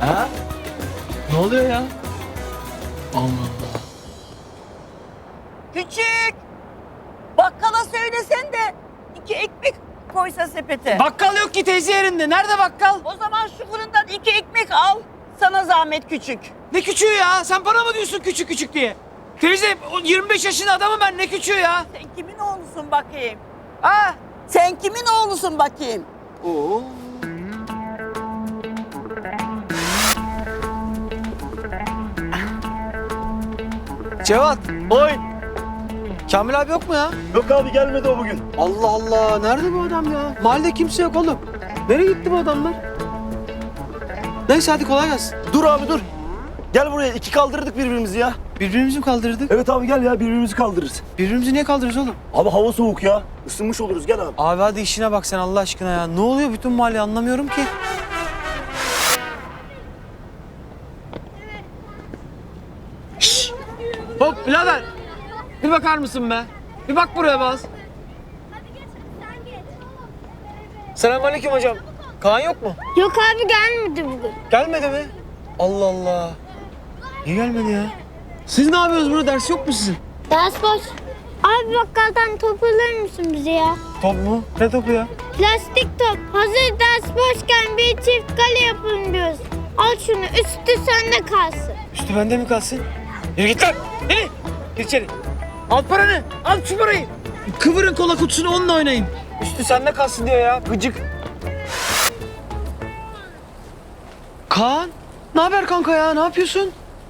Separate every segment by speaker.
Speaker 1: Ha? Ne oluyor ya? Allah Allah.
Speaker 2: Küçük. Bakkala söylesen de 2 ekmek koysa sepete.
Speaker 1: Bakkal yok ki teyze yerinde. Nerede bakkal?
Speaker 2: O zaman şu fırından 2 ekmek al. Sana zahmet küçük.
Speaker 1: Ne küçüğü ya? Sen bana mı diyorsun küçük küçük diye? Teyze o 25 yaşında adamım ben, ne küçüğü ya?
Speaker 2: Sen kimin oğlusun bakayım? Ah, sen kimin oğlusun bakayım?
Speaker 1: Oo. Cevat.
Speaker 3: Oy!
Speaker 1: Kamil abi yok mu ya?
Speaker 3: Yok abi, gelmedi o bugün.
Speaker 1: Allah Allah. Nerede bu adam ya? Mahallede kimse yok oğlum. Nereye gitti bu adamlar? Neyse hadi kolay gelsin.
Speaker 3: Dur abi dur. Gel buraya, iki kaldırdık birbirimizi ya.
Speaker 1: Birbirimizi mi kaldırdık?
Speaker 3: Evet abi gel ya, birbirimizi kaldırırız.
Speaker 1: Birbirimizi niye kaldırırız oğlum?
Speaker 3: Abi hava soğuk ya. Isınmış oluruz, gel abi.
Speaker 1: Abi hadi işine bak sen Allah aşkına ya. Ne oluyor bütün mahalle, anlamıyorum ki. Şşş! Hop birader! Bir bakar mısın be? Bir bak buraya baz.
Speaker 4: Hadi geç, sen geç.
Speaker 1: Selamünaleyküm hocam. Kaan yok mu?
Speaker 4: Yok abi, gelmedi bugün.
Speaker 1: Gelmedi mi? Allah Allah. Niye gelmedi ya? Siz ne yapıyorsunuz burada? Ders yok mu sizin?
Speaker 4: Ders boş. Abi bakkaldan top alır mısın bize ya?
Speaker 1: Top mu? Ne topu ya?
Speaker 4: Plastik top. Hazır ders boşken bir çift kale yapın diyoruz. Al şunu, üstü sende kalsın.
Speaker 1: Üstü bende mi kalsın? Yürü git lan! Yürü! Gir içeri. Al paranı! Al şu parayı! Kıvırın kola kutusunu, onunla oynayın. Üstü sende kalsın diyor ya. Gıcık. Kaan! Ne haber kanka ya? Ne yapıyorsun?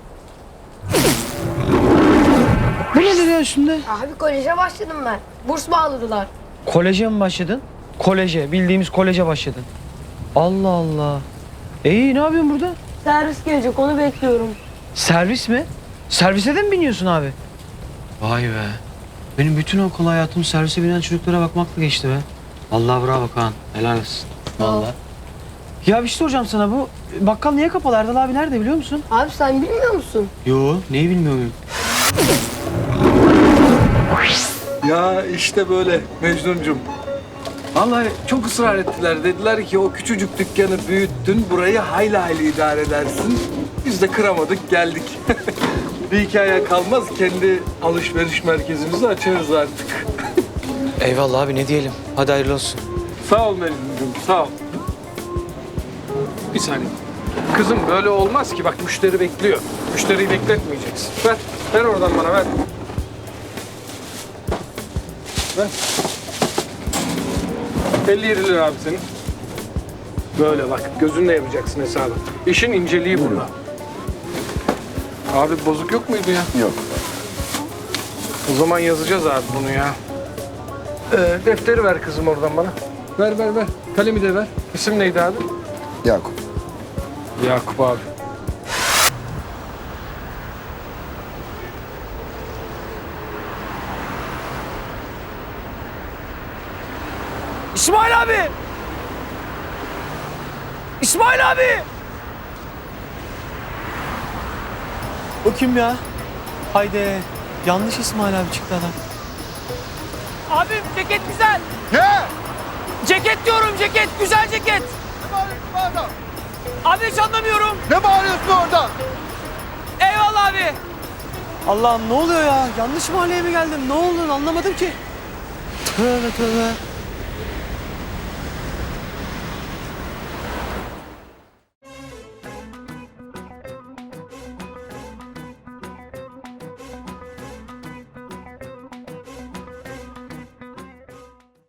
Speaker 1: Bu nedir ya üstünde?
Speaker 5: Abi koleje başladım ben. Burs bağladılar.
Speaker 1: Koleje mi başladın? Koleje. Bildiğimiz koleje başladın. Allah Allah. İyi, ne yapıyorsun burada?
Speaker 5: Servis gelecek, onu bekliyorum.
Speaker 1: Servis mi? Servise de mi biniyorsun abi? Vay be. Benim bütün okul hayatım servise binen çocuklara bakmakla geçti be. Vallahi bravo Kaan. Helal olsun. Vallahi. Ya bir şey soracağım sana, bu bakkal niye kapalı? Erdal abi nerede biliyor musun?
Speaker 5: Abi sen bilmiyor musun?
Speaker 1: Yo, neyi bilmiyorum.
Speaker 6: Ya işte böyle Mecnuncum. Vallahi çok ısrar ettiler. Dediler ki o küçücük dükkanı büyüttün, burayı hayli hayli idare edersin. Biz de kıramadık, geldik. Bir hikaye kalmaz, kendi alışveriş merkezimizi açarız artık.
Speaker 1: Eyvallah abi, ne diyelim. Hadi hayırlı olsun.
Speaker 6: Sağ ol Mecnuncum, sağ ol. Bir saniye. Kızım böyle olmaz ki. Bak müşteri bekliyor. Müşteriyi bekletmeyeceksin. Ver, ver oradan bana, ver. Ver. 57 lira abi senin. Böyle bak, gözünle yapacaksın hesabı. İşin inceliği burada. Abi bozuk yok muydu ya?
Speaker 3: Yok.
Speaker 6: O zaman yazacağız abi bunu ya. Defteri ver kızım oradan bana. Ver, ver, ver. Kalemi de ver. İsim neydi abi?
Speaker 3: Yakup.
Speaker 6: Yakup abi.
Speaker 1: İsmail abi! İsmail abi! O kim ya? Haydi. Yanlış İsmail abi çıktı adam. Abim ceket güzel.
Speaker 3: Ne?
Speaker 1: Ceket diyorum, ceket. Güzel ceket.
Speaker 3: Ne bağırıyorsun orada?
Speaker 1: Abi hiç anlamıyorum.
Speaker 3: Ne bağırıyorsun orada?
Speaker 1: Eyvallah abi. Allah'ım ne oluyor ya? Yanlış mahalleye mi geldim? Ne oldu? Anlamadım ki. Tövbe tövbe.